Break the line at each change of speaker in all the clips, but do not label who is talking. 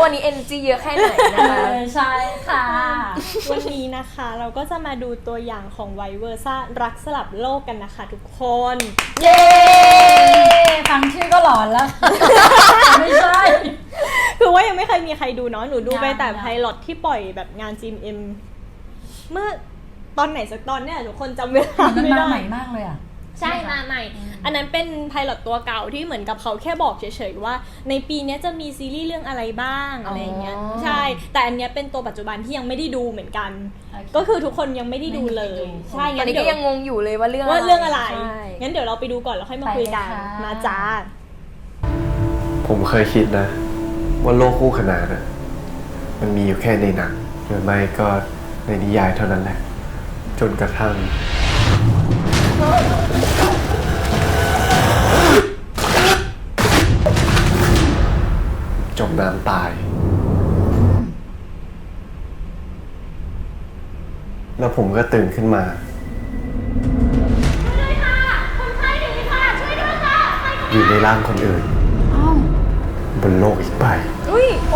วันนี้ energy เยอะแค่ไหนนะคะ
ใช่ค่ะ
วันนี้นะคะเราก็จะมาดูตัวอย่างของไวเวอร์ซ่ารักสลับโลกกันนะคะทุกคน
เย้ฟังชื่อก็หลอนแล้ว ไม่ใช่
คือว่ายังไม่เคยมีใครดูเนาะหนูดูไปแต่
ยัง
ไพลอตที่ปล่อยแบบงาน GMM เมื่อตอนไหนสักตอนเนี่ยทุกคนจำเวลา
มัน
ไม่
มา
ได้
ใหม่มากเลยอ่ะ
ใช่มาใหม่ อันนั้นเป็นไพลอตตัวเก่าที่เหมือนกับเขาแค่บอกเฉยๆว่าในปีนี้จะมีซีรีส์เรื่องอะไรบ้างอะไรอย่างเงี้ยใช่แต่อันเนี้ยเป็นตัวปัจจุบันที่ยังไม่ได้ดูเหมือนกัน ก็คือทุกคนยังไม่ได้ดูเลยใช่
ตอ
งั้
น
น
นี้
เดี๋
ก็
ยว
ยังงงอยู่เลยว่าเรื่อง
อะไร
ใช่
งั้นเดี๋ยวเราไปดูก่อนแล้วค่อยมาคุยกันมาจ้า
ผมเคยคิดนะว่าโลกคู่ขนานน่ะมันมีอยู่แค่ในหนังหรือไม่ก็ในนิยายเท่านั้นแหละ จนกระทั่งจมน้ำตาย แล้วผมก็ตื่นขึ้นมาอยู่ในร่างคนอื่นบนโลกอีกใบ
อุ้ยโอ้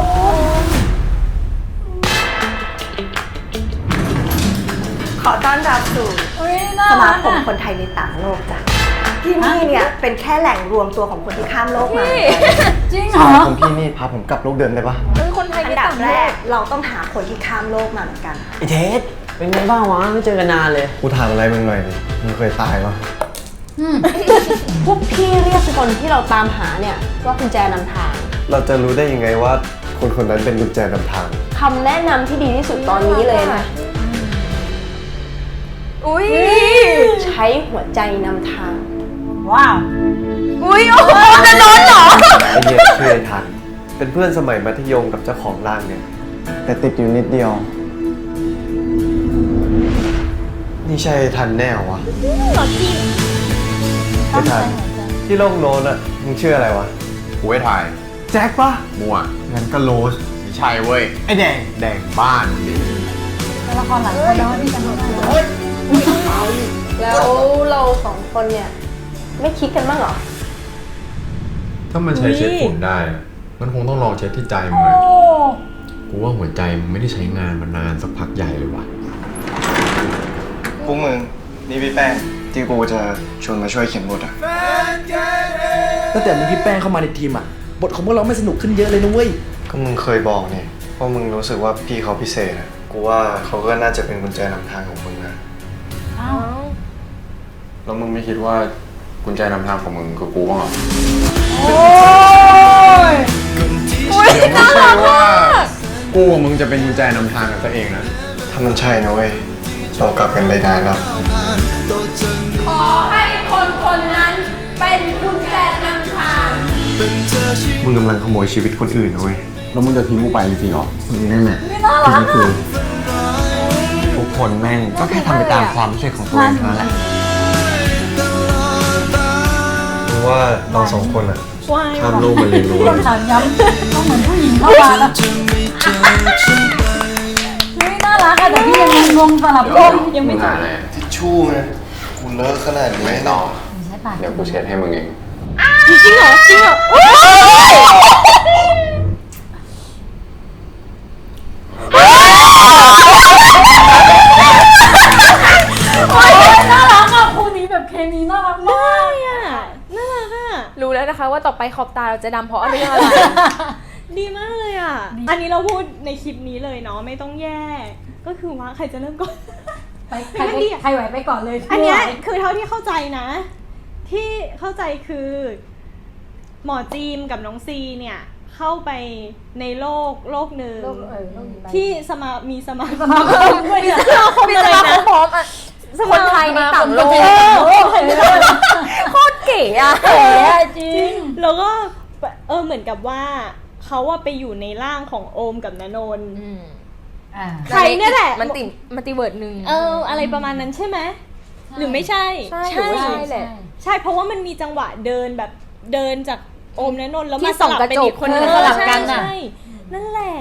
ขอต้อนรับสู่
น่า
ส
รั
มาก คม
อ่ะ
คนไทยในต่างโลกจ้ะที่นี่เนี่ยเป็นแค่แหล่งรวมตัวของคนที่ข้ามโลกมา
จริงเหรอ
คุณพี่นี่พาผมกลับโลกเดิมได้ปะ
คนไทย
อั
ใน
นดับ
ต่าง
แร
โล
ก
ก
เราต้องหาคนที่ข้ามโลกมาเหมือนกัน
ไอเทสเป็นไงบ้างวะไม่เจอกันนานเลย
กูถามอะไรมึงหน่อยดิมึงเคยตายปะ
พวกพี่เรียกคนที่เราตามหาเนี่ยว่ากุญแจนำทาง
เราจะรู้ได้ยังไงว่าคนคนนั้นเป็นกุญแจนำทาง
คำแนะนำที่ดีที่สุดตอนนี้เลยนะ
อุ้ย
ใช้หัวใจนำทาง
ว้าว
อุ้ยโอ้โหจะนอนเหรอ
ไอเหี้ยชื่อไอทัน เป็นเพื่อนสมัยมัธยมกับเจ้าของร่างเนี่ย แต่ติดอยู่นิดเดียว นี่ใช่ไอ้ทันแน่เหรอวะไอทัน ที่โลกโน้นอะมึงชื่ออะไรวะ
กูให้ถ่าย
แจ็คปะ
มั่ว
งั้นก็โรส
ไม่ใช่เว้ย
ไอแดง
แดงบ้านดิ
ตัวละครหลังคนแล้วที่จะมาดู
แล้วเราสองคนเนี่ยไม่คิดกันบ้างเหรอ
ถ้ามันใช้เช็ดฝุ่นได้อะมันคงต้องลองเช็ดที่ใจมึงเลยกูว่าหัวใจมึงไม่ได้ใช้งานมานานสักพักใหญ่เลยว่ะ
พวกมึง นี่พี่แป้งที่กูจะชวนมาช่วยเขียนบทอะ
ตั้งแต่มีพี่แป้งเข้ามาในทีมอ่ะ บทของพวกเราไม่สนุกขึ้นเยอะเลยนะเว้ย
ก็มึงเคยบอกนี่ว่ามึงรู้สึกว่าพี่เขาพิเศษอะกูว่าเขาก็น่าจะเป็นกุญแจนำทางของมึงนะ
อ้าว
แล้วมึงไม่คิดว่ากุญแจนำทางของมึงคือกูบ้างเหรอ
โอ้ย
เดี๋ยวไม่ใช่ว่ากูกับมึงจะเป็นกุญแจนำทางกันซะเองนะ
ถ้ามันใช่นะเว้ยเรากลับกันได้นานแล้ว
ขอให้คนคนนั้นเป็นกุญแจนำทาง
มึงกำลังขโมยชีวิตคนอื่นนะเว้ย
แล้วมึงจะทิ้งกูไปจริงๆเหรอ
นั่นแหละ
ไม่น่ารักอ่ะ
ทุกคนแม่งก็แค่ทำไปตามความรู้สึกของตัวเองเท่านั้นแหละกูว่าเราสองคนอะข้ามโลกมาเรียนรู้
ต้องถามย้ำต้องเหมือนผู้หญิงเข้ามาแล้วเฮ้ยน่ารักอะแต่พี่ยังงงสลับโลกยังไม่
มึง
จ
หา
บ
อะไร
ทิชชู่ไงกูเลอะขนาดนี้
ไม่ต่อ
ใช่ปะ
เดี๋ยวกูเช็ดให้มึงเอง
จริงเหรอ
น่ารักอะคู่นี้แบบเคมีน่ารักมาก
น่ารักอ่ะ
รู้แล้วนะคะว่าต่อไปขอบตาเราจะดำเพราะเรื่องอะไร
ดีมากเลยอ่ะ อันนี้เราพูดในคลิปนี้เลยเนาะไม่ต้องแยกก็คือว่าใครจะเริ่มก่อน
ไปใครไหวไปก่อนเลย
อันเนี้ยคือเท่าที่เข้าใจนะ ที่เข้าใจคือหมอจีมกับน้องซีเนี่ยเข้าไปในโลกหนึ่งที่มีสมาคมด้วยนะ
มีสมาคมพร้อมอ่ะคนไทยในต่างโลกโคตรเก๋อะ
เก๋จริง
แล้วก็เหมือนกับว่าเขาว่าไปอยู่ในร่างของโอมกับณนนท์ ใครเนี่ยแหละ
มันติมัลติเวิร์ดหนึ่ง
อะไรประมาณนั้นใช่ไหมหรือไม่ใช่
ใช่หรือว่าใช่แหละ
ใช่เพราะว่ามันมีจังหวะเดินแบบเดินจากโอมณนนท์แล้ว
ที่
มา
ส่อง
ลับ
กระ
เป็น
จก
อีกคนนึง
สลับกันอะ
ใช่นั่นแหละ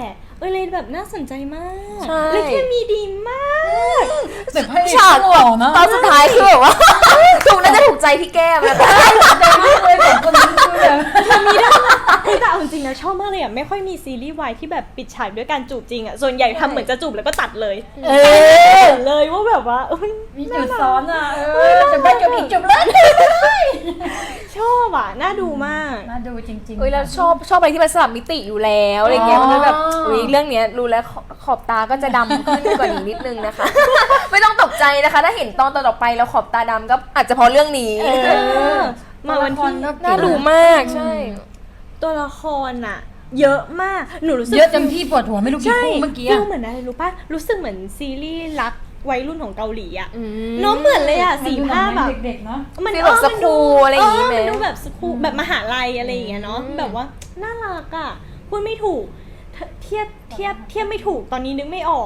เลยแบบน่าสนใจมาก
ใช่
เลยเคมีดีมาก
แต่พระเอก
ฉาก
หล่อนะ
ตอนสุดท้ายคือแบบว่า ถูกน่าจะถูกใจที่แก้มแล้วกัน
เลยสองคนนี้คือแบบ
แต่เอาจริงนะชอบมากเลยอ่ะไม่ค่อยมีซีรีส์วายที่แบบปิดฉากด้วยการจูบจริงอ่ะส่วนใหญ่ทำเหมือนจะจูบแล้วก็ตัดเลย
เอ
เห็นเลยว่าแบบว่า
มีจุดซ้อนอ่ะจะไปจบอีกจบเลย
ชอบอ่ะน่าดูมาก
น่าดูจริงๆ
เฮ้ยแล้วชอบอะไรที่มันสลับมิติอยู่แล้วอะไรเงี้ยมันแบบอุ้ยเรื่องเนี้ยรู้แล้วขอบตาก็จะดำขึ้นกว่านี้นิดนึงนะคะ ไม่ต้องตกใจนะคะ ถ้าเห็นตอนต่อไปแล้วขอบตาดำก็อาจจะเพราะเรื่องนี้
มาวันที่
น่าดูมากใช่
ตัวละครอ่ะ เยอะมากหนูรู้สึก
เยอะจนพี่ปวดหัวไม่รู้กี่
ใช่
คู่เมื่อกี้
ฟีลเหมือนอะไรรู้ป่ะรู้สึกเหมือนซีรีส์รักวัยรุ่นของเกาหลีอ่ะ
อืม
น้องเหมือนเลยอ่ะสีผ้าแบบ
เด็กๆเนาะ
ฟีลแบบสคูลอะไรอย่างงี้ไหม
มันดูแบบสคูลแบบมหาลัยอะไรอย่างเงี้ยเนาะแบบว่าน่ารักอ่ะพูดไม่ถูกเทียบไม่ถูกตอนนี้นึกไม่ออก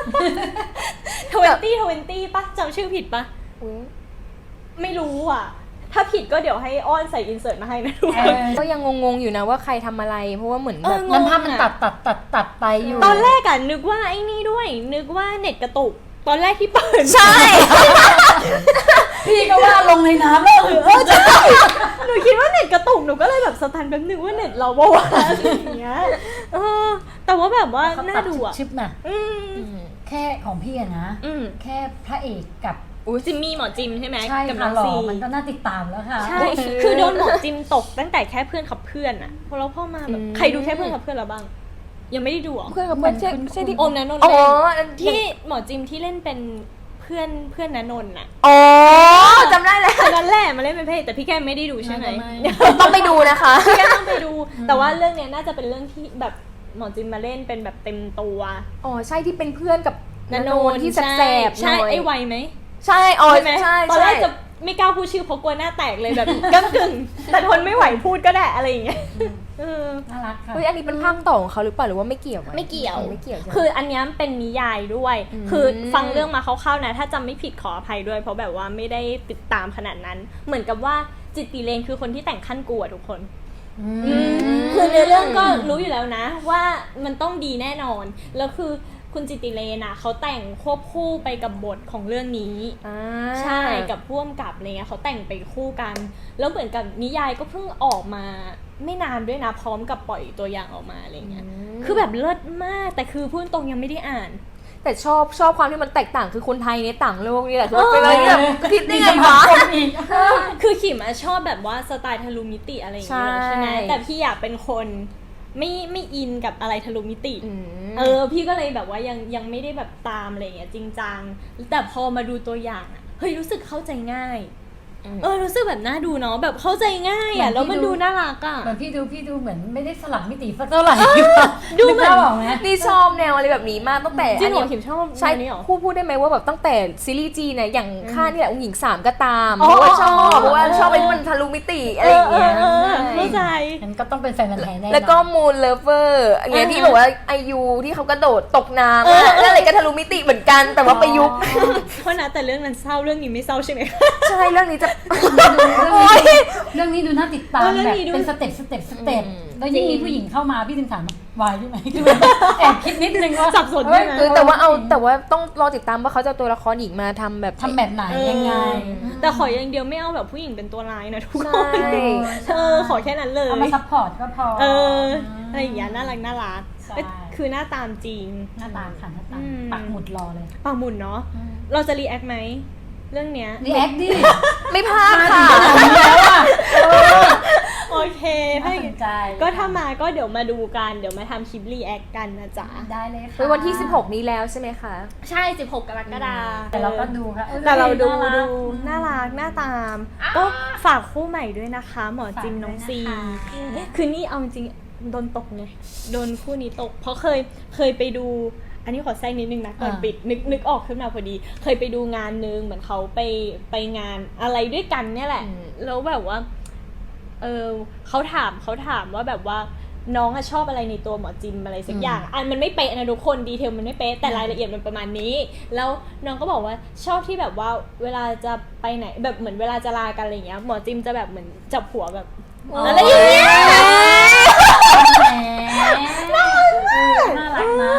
20 ป่ะจำชื่อผิดป่ะ
อุ๊ย
ไม่รู้อ่ะ ถ้าผิดก็เดี๋ยวให้อ้อนใส่อินเสิร์ตมาให้นะทุกคน
ก็ยังงงๆอยู่นะว่าใครทำอะไร เพราะว่าเหมือนแบบ
มันภาพมันตัดไปอยู่
ตอนแรกอะนึกว่าไอ้นี่ด้วยนึกว่าเน็ตกระตุกตอนแรกที่เปิด
ใช่
พี่ก็ว่าลงในน้ำแล้วใช่
หนูคิดว่าเน็ตกระตุกหนูก็เลยแบบสตันแป๊บนึงว่าเน็ตเราบ่าวะอะไรอย่างเงี้ยแต่ว่าแบบว่าน่าดูอะ
ชิปน่ะ
อืม
แค่ของพี่อะนะ แค่พระเอกกับ
จิมมี่หมอจิมใช่ไหม
ใช่
กับน้
ค่ะ
อง
หล่อ
ซี
มันก็น่าติดตามแล้วค่ะ
ใช่คือโดนหมอจิมตกตั้งแต่แค่เพื่อนขับเพื่อนอะพอเราพ่อมาแบบใครดูแค่เพื่อนขับเพื่อนเราบ้าง ยังไม่ได้ดูหรอ
เพื่อนกับเพื่อนใช่ที่
โอมนันนนท์
อ๋อ
เล่น
อัน
ที่หมอจิมที่เล่นเป็นเพื่อนนันนนท์อะ
อ๋อจำได้แล้ว
คนนั้นแหละมาเล่นเป็นพระเอกแต่พี่แก้มไม่ได้ดูใช่ไหม
ต้องไปดูนะคะ
พี่แก้มต้องไปดู แต่ว่าเรื่องเนี้ยน่าจะเป็นเรื่องที่แบบหมอจิมมาเล่นเป็นแบบเต็มตัว
อ๋อใช่ที่เป็นเพื่อนกับนันโนนที่แสบๆห
ใช่
น่อย
ไอ้ไวไหม
ใช่อ๋อ
ใช่ไหม
ใช่
ตอนแร
ใช่
กจะไม่กล้าพูดชื่อเพราะกลัวหน้าแตกเลยแบบก้ำกึ่งแต่ทนไม่ไหวพูดก็ได้อะไรอย่างเงี้ย
น่ารักค่ะ
เฮ้ยอันนี้เป็นภาคต่อของเขาหรือเปล่าหรือว่าไม่เกี่ยวอะ
ไม่เกี่ยว
ไม่เกี่ยวใช่ไหม
คืออันเนี้ยเป็นนิยายด้วย
อืม
คือฟังเรื่องมาคร่าวๆนะ ถ้าจำไม่ผิดขออภัยด้วย เพราะแบบว่าไม่ได้ติดตามขนาดนั้น เหมือนกับว่าจิตติเลนคือคนที่แต่งขั้นกูอะทุกคน คือในเรื่องก็รู้อยู่แล้วนะ ว่ามันต้องดีแน่นอน แล้วคือคุณจิตติเลนอะเขาแต่งควบคู่ไปกับบทของเรื่องนี้
อ่า
ใช่กับพ่วงกับอะไรเงี้ยเขาแต่งไปคู่กัน แล้วเหมือนกับนิยายก็เพิ่งออกมาไม่นานด้วยนะ พร้อมกับปล่อยตัวอย่างออกมาอะไรเงี้ยคือแบบเลิศมากแต่คือพูดตรงยังไม่ได้อ่าน
แต่ชอบความที่มันแตกต่างคือคนไทยในต่างโลกนี่แหละคือเป็นอะไรที่แบบคิดได้ไงวะ
คือขิมอะชอบแบบว่าสไตล์ทะลุมิติอะไรอย่างเงี้ย
ใช่
ใช่ไหมแต่พี่อยากเป็นคนไม่อินกับอะไรทะลุมิติ
อืม
พี่ก็เลยแบบว่ายังไม่ได้แบบตามอะไรอย่างเงี้ยจริงจังแต่พอมาดูตัวอย่างอะเฮ้ยรู้สึกเข้าใจง่าย รู้สึกแบบน่าดูเนาะแบบเข้าใจง่ายอะแล้วมันดูน่ารักอะ
เหมือนพี่ดูเหมือนไม่ได้สลับมิติสักเท่าไหร่
ดูเหมือน
กภาพออกไหม
นี่ชอบแนวอะไรแบบนี้มากตั้งแต่
จริงเหรอ
อัน
ขิ
นี้
มชอบ
ใช่
แนวนี้เหรอ
พูดได้ไหมว่าแบบตั้งแต่ซีรีส์จีนเนี่ยอย่างข้านี่แหละองค์หญิง3ก็ตาม
อ๋
เพ
อ
ราะว่าชอบ
อ๋อ
เพราะว่าชอบอะไรที่มันทะลุมิติอะไรอย่างเงี้ย
เข้าใจ
งั้นก็ต้องเป็นแฟนมันธุ์แท้แน่นอน
แล้วก็มูนเลเวอร์อย่างเงี้ยที่บอกว่าไอยูที่เขากระโดดตกน้ำอะแล้วอะไรก็ทะลุมิติเหมือนกันแต่ว่าประยุกต์
เพราะนะแต่เรื่องนั้นเศร้าเรื่องนี้ไม่เศร้าใช่ไหม
ใช่เรื่องนี้จะ
เรื่องนี้ดูน่าติดตาม
เรื่อง
แบบ
นี้ดู
เป็นสเต็ปแล้วยิ่งมีผู้หญิงเข้ามาพี่ถึงถามวายใช่ไหมคือแอบคิดนิดนึงว่า
สับสนด้วยนะ
แต่ว่าต้องรอติดตามว่าเขาจะเอาตัวละครหญิงมาทำแบบ
ทำแบบไหนยังไง
แต่ขออย่างเดียวไม่เอาแบบผู้หญิงเป็นตัวร้ายนะทุกค
ใช่
นขอแค่นั้นเลย
เอามาซัพพอร์ตก็พอ
อะไรอย่างเงี้ยน่ารัก
ใช่
คือหน้าตามจริง
หน้าตาค่ะหน้าตา
อืม
ปักหมุดรอเลย
ปากหมุนเนาะเราจะรีแอคไหมเรื่องเนี้ย
รีแอคดิ
ไม่พลาดค่ะ
แล้วอ่ะ
โอเค
น่าสนใจ
ก็ถ้ามาก็เดี๋ยวมาดูกันเดี๋ยวมาทำคลิปรีแอคกันนะจ๊ะ
ได้เลยค่ะ
เป็นวันที่ 16 นี้แล้วใช่ไหมคะ
ใช่ 16 กรกฎาคม
แต่เราก็ดูค่ะ
แต่เราดู
น่ารัก
น่ารักน่าตาม ก็ฝากคู่ใหม่ด้วยนะคะ หมอจิมน้องซี
ฝากด้วยนะคะ
คือนี่เอาจริงโดนตกไงโดนคู่นี้ตก เพราะเคยไปดู อันนี้ขอแทรกนิดนึงนะก่อนปิดนึกออกขึ้นมาพอดี เคยไปดูงานนึงเหมือนเขาไปงานอะไรด้วยกันเนี่ยแหละ แล้วแบบว่าเขาถามว่าแบบว่าน้องอะชอบอะไรในตัวหมอจิมอะไรสักอย่างอันมันไม่เป๊ะนะทุกคนดีเทลมันไม่เป๊ะแต่รายละเอียดมันประมาณนี้ แล้วน้องก็บอกว่าชอบที่แบบว่าเวลาจะไปไหนแบบเหมือนเวลาจะลากันอะไรเงี้ยหมอจิมจะแบบเหมือนจับหัวแบบอะไรอย่างเงี้ย
น่ารักนะ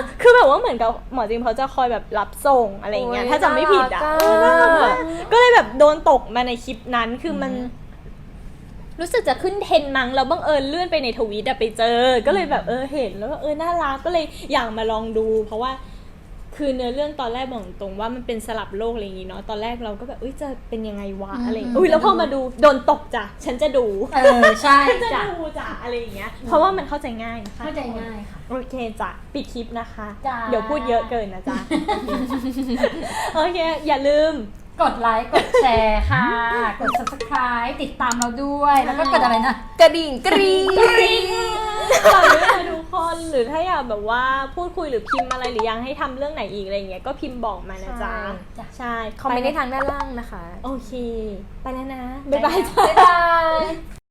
อนกับหมอจิมเขาจะคอยแบบรับส่งอะไรอย่างเงี้ย
โอ้ย
ถ้าจำไม่ผิดอ่ะ
น่ารักอะ
น่ารักมากก็เลยแบบโดนตกมาในคลิปนั้นคือมัน รู้สึกจะขึ้นเทรนด์มั้งแล้วบังเอิญเลื่อนไปในทวิตอะไปเจอ ก็เลยแบบเห็นแล้วก็น่ารักก็เลยอยากมาลองดู เพราะว่าคือเนื้อเรื่องตอนแรกบอกตรงว่ามันเป็นสลับโลกอะไรอย่างงี้เนาะตอนแรกเราก็แบบจะเป็นยังไงวะอะไรแล้วพอมาดูโดนตกจ้ะฉันจะดู
ใช่
ฉันจะ
จ้ะ
ดูจ้ะอะไรอย่างเงี้ยเพราะว่ามันเข้าใจง่ายนะคะ
เข้าใจง่ายค่ะ
โอเคจ้ะปิดคลิปนะคะ
จ้ะ
เดี๋ยวพูดเยอะเกินนะจ๊ะ โอเค อย่าลืม
กดไลค์กดแชร์ค่ะ กด subscribe ติดตามเราด้วย แล้วก็กดอะไรนะ
กระดิ่งกรี๊ง
ฝากด้วยนะทุกคนหรือถ้าอยากแบบว่าพูดคุยหรือพิมพ์อะไรหรือยังให้ทำเรื่องไหนอีกอะไรเงี้ยก็พิมพ์บอกมานะจ๊ะ ใช่
คอมเมนต์ได้ทางด้านล่างนะคะ
โอเค ไปแล้วนะ บ๊ายบายจ้ะ
บ๊ายบาย